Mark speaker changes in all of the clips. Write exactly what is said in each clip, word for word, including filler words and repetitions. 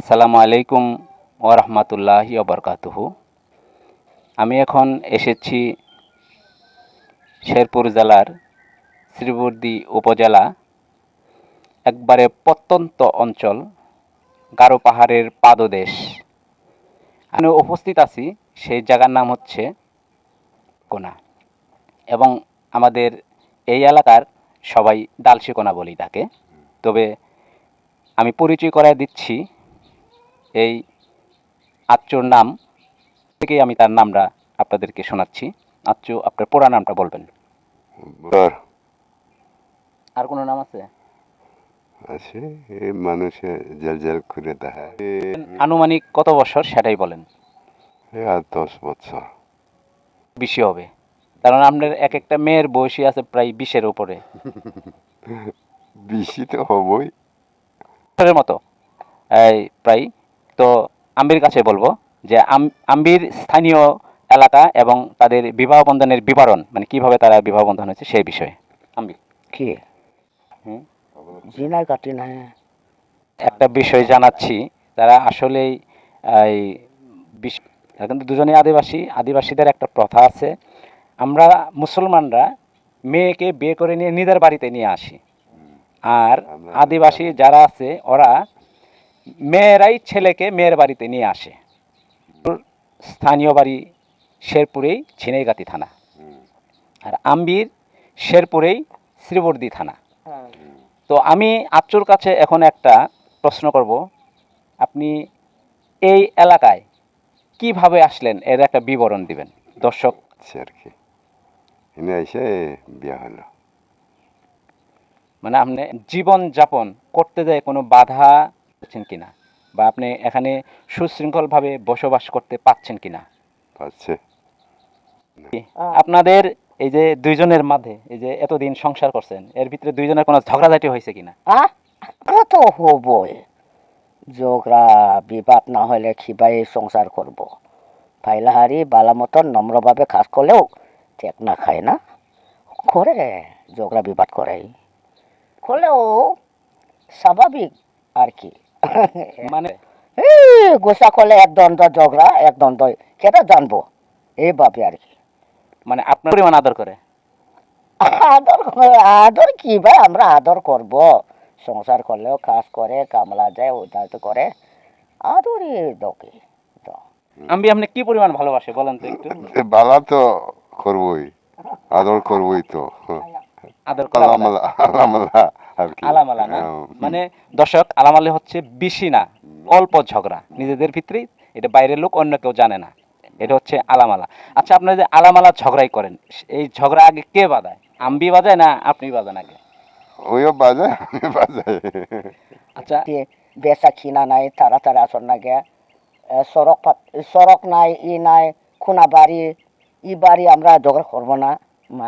Speaker 1: আসসালামু আলাইকুম ওয়া রাহমাতুল্লাহি ওয়া বারাকাতুহু। আমি এখন এসেছি শেরপুর জেলার শ্রীবর্দী উপজেলা, একবারে প্রত্যন্ত অঞ্চল, গারো পাহাড়ের পাদদেশ। আমি উপস্থিত আছি, সেই জায়গার নাম হচ্ছে কোনা, এবং আমাদের এই এলাকার সবাই ডালশিকোনা বলি তাকে। তবে আমি পরিচয় করায় দিচ্ছি এই আচ্চুর নাম থেকেই আমি তার নামটা আপনাদেরকে শোনাচ্ছি। আচ্চু, আপনার পুরা নামটা বলবেন।
Speaker 2: তোর
Speaker 1: আর কোনো নাম আছে?
Speaker 2: আছে এই মানুষে জেল জেল করে দেখায়
Speaker 1: আনুমানিক কত বছর সেটাই বলেন।
Speaker 2: এই আর দশ বছর
Speaker 1: বেশি হবে, কারণ আপনার এক একটা মেয়ের বয়সী আছে প্রায় বিশের উপরে
Speaker 2: বেশি তো হবই।
Speaker 1: বছরের মতো এই প্রায়। তো আম্বির কাছে বলবো যে আম- আম্বির স্থানীয় এলাকা এবং তাদের বিবাহ বন্ধনের বিবরণ, মানে কিভাবে তারা বিবাহ বন্ধন হয়েছে সেই বিষয়ে। আম্বির,
Speaker 3: কি
Speaker 1: হুম,
Speaker 3: জিনাই কাটি না
Speaker 1: একটা বিষয় জানাচ্ছি। তারা আসলেই এই বিশ- তারা কিন্তু দুজনেই আদিবাসী। আদিবাসীদের একটা প্রথা আছে, আমরা মুসলমানরা মেয়েকে বিয়ে করে নিয়ে নিজের বাড়িতে নিয়ে আসি, আর
Speaker 2: আমরা
Speaker 1: আদিবাসী যারা আছে ওরা মেয়েরাই ছেলেকে মেয়ের বাড়িতে নিয়ে আসে। ওর স্থানীয় বাড়ি শেরপুরেই ঝিনাইগাতি থানা, আর আম্বির শেরপুরেই শ্রীবর্দী থানা। তো আমি আচ্চুর কাছে এখন একটা প্রশ্ন করব, আপনি এই এলাকায় কিভাবে আসলেন এর একটা বিবরণ দিবেন দর্শক।
Speaker 2: আছে আর কি, এনে এসে বিয়া হলো।
Speaker 1: মানে আপনি জীবন যাপন করতে যায় কোনো বাধা পাচ্ছেন কিনা, বা আপনি এখানে সুশৃঙ্খলভাবে বসবাস করতে পাচ্ছেন কিনা?
Speaker 2: পাচ্ছে
Speaker 1: আপনাদের এই যে দুইজনের মাঝে এই যে এতদিন সংসার করছেন, এর ভিতরে দুইজনের কোনো ঝগড়াঝাটি হয়েছে কিনা?
Speaker 3: আহ কত হবই যোগরা বিবাদ না হলে খিবাই সংসার করব ফাইলাহারি বালা মতন নম্রভাবে কাজ করলেও ঠিক না খায় না করে যোগরা বিবাদ করে করলেও স্বাভাবিক আর কি
Speaker 1: মানে
Speaker 3: এই গোসা করলে এক দ্বন্দ্ব ঝগড়া এক দ্বন্দ্ব কেটা জানবো এইভাবে আর কি
Speaker 1: মানে আপনার পরিমাণ আদর করে?
Speaker 3: আদর আদর কি ভাই আমরা আদর করব সংসার করলেও কাজ করে কামলা যায় ওটা তো করে আদরই দকে তো
Speaker 1: আমি আপনি কি পরিমাণ ভালোবাসে বলেন তো একটু।
Speaker 2: বালা তো করবই, আদর করবই তো।
Speaker 1: আদর করা
Speaker 2: আলামালা আলামালা আর কি।
Speaker 1: আলামালা না,
Speaker 2: হ্যাঁ,
Speaker 1: মানে দর্শক, আলামালে হচ্ছে বেশি না, অল্প ঝগড়া নিজেদের ভিতরেই, এটা বাইরের লোক অন্য কেউ জানে না, এটা হচ্ছে আলামালা। আচ্ছা, আপনারা যে আলামালা ঝগড়াই করেন, এই ঝগড়া আগে কে বাজায়? আম্বি বাজায় না আপনি বাজান আগে?
Speaker 2: ওইও বাজায় আমি বাজাই।
Speaker 1: আচ্ছা,
Speaker 3: বেচা কিনা নাই তারা তারা আসর না গে সড়ক পাত- সড়ক নাই ই নাই খুনা বাড়ি ই বাড়ি আমরা ঝগড়া করবো না মা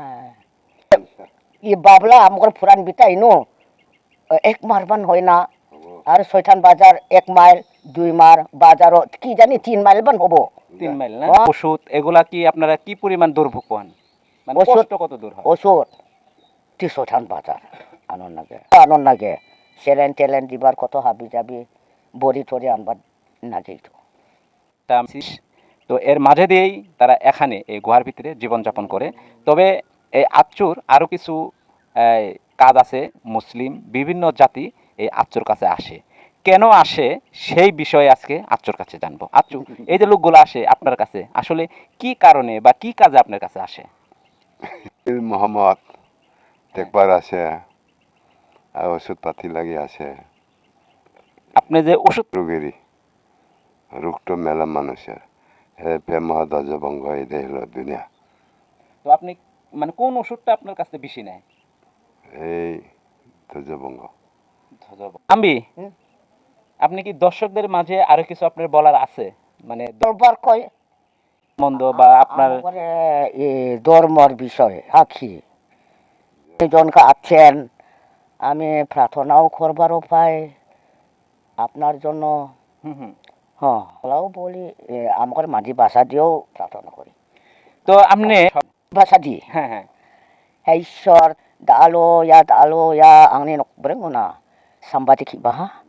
Speaker 3: ই বাবলা আমার ফুরান বিটা ইনো এক মারবান হয় না আর ছয়ঠান বাজার এক মাইল দুই মার বাজারও কি জানি তিন মাইল বান হবো
Speaker 1: তিন মাইল না?
Speaker 3: হ্যাঁ।
Speaker 1: ওষুধ এগুলা কি আপনারা কি পরিমাণ দুর্ভোগ পান, মানে
Speaker 3: ওষুধ-
Speaker 1: কষ্ট কত দূর হয়?
Speaker 3: ওষুধ তিনশোঠান বাজার আনন্দ নাগে আনন্দ নাগে সেলেন টেলেন দিবার কত হাবি যাবি বড়ি টরি আনবার নাগে তো
Speaker 1: তা আমি- তো এর মাঝে দিয়েই তারা এখানে এই গুহার ভিতরে জীবনযাপন করে। তবে এই আচ্চুর আরও কিছু এই, কাজ আছে। মুসলিম বিভিন্ন জাতি এই আচ্চুর কাছে আসে, কেন আসে সেই বিষয়ে আজকে আচ্চুর কাছে জানবো। আচ্চু, এই যে লোকগুলো আসে আপনার কাছে, আসলে কি কারণে বা কি কাজে আপনার কাছে আসে?
Speaker 2: ঈদ মোহাম্মদ দেখবার আসে আর ওষুধ পাতি লাগি আসে।
Speaker 1: আপনি যে ওষুধ,
Speaker 2: রোগেরই রোগটো মেলা মানুষের হে প্রেম ধ্বজভঙ্গ এটাই হলো দুনিয়া।
Speaker 1: তো আপনি মানে কোন ওষুধটা আপনার কাছে বেশি নেয়?
Speaker 2: এই ধ্বজভঙ্গ।
Speaker 1: আম্বি,
Speaker 3: হুম।
Speaker 1: আপনি কি দর্শকদের মাঝে আরো কিছু আপনার বলার আছে, মানে
Speaker 3: দরবার কয়
Speaker 1: মন্দ বা আপনার?
Speaker 3: আমারে এ ধর্মর বিষয় আখি জনকে আছেন আমি প্রার্থনাও করবারও পাই আপনার জন্য
Speaker 1: হুম হুম।
Speaker 3: হ্যাঁ ওরাও বলি এ, আমার মাঝি ভাষা দিয়েও প্রার্থনা করি
Speaker 1: তো আপনি,
Speaker 3: ভাষা দিয়ে
Speaker 1: হ্যাঁ হ্যাঁ,
Speaker 3: হে ঈশ্বর দালো ইয়া দালো ইয়া आंनि न'खरखौ ना sambadik baha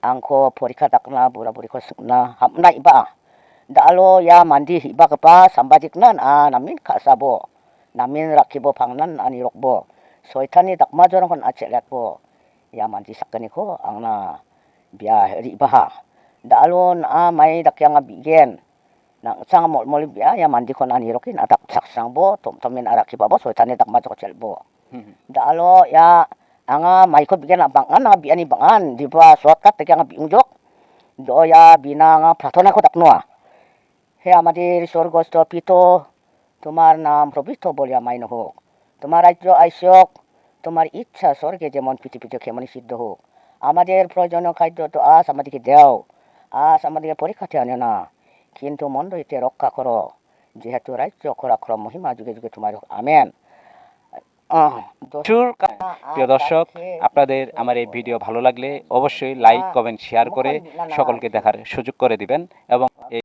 Speaker 3: angko porika dakna bura buriko sukna hamna iba dalo ya mandi iba kepa sambajiknan a namin kasabo namin rakibo pangnan ani rokbo soitani dakma jorong kon acelet bo ya mandi sakani ko angna bia riba dalo na mai dakyang bigen nang sang mol mol bia ya mandi kon ani rokin adak saksang bo tom tomin arakiba bo soitani dakma jok celbo dalo ya anga mai ko bigen abangan na biani bangan di ba shortcut tekyang biungjok do ya binanga pratona ko daknoa he আমাদের স্বর্গস্থ পিতো তোমার নাম প্রবিষ্ট বলিয়া mine হোক তোমার রাজ্য আইসক তোমার ইচ্ছা স্বর্গে যেমন পৃথিবীতে কেমনই সিদ্ধ হোক আমাদের প্রয়োজনীয় খাদ্য তো আজ আমাদেরকে দাও আজ আমাদেরকে পরীক্ষাতে আনে না কিন্তু মন্দ হইতে রক্ষা করো যেহেতু রাজ্য খরাক্রম মহিমা যুগে যুগে তোমার হোক আমেন আহ, দোষ-
Speaker 1: প্রচুর কা- প্রিয় দর্শক, আপনাদের আমার এই ভিডিও ভালো লাগলে অবশ্যই লাইক কমেন্ট শেয়ার করে সকলকে দেখার সুযোগ করে দিবেন এবং এই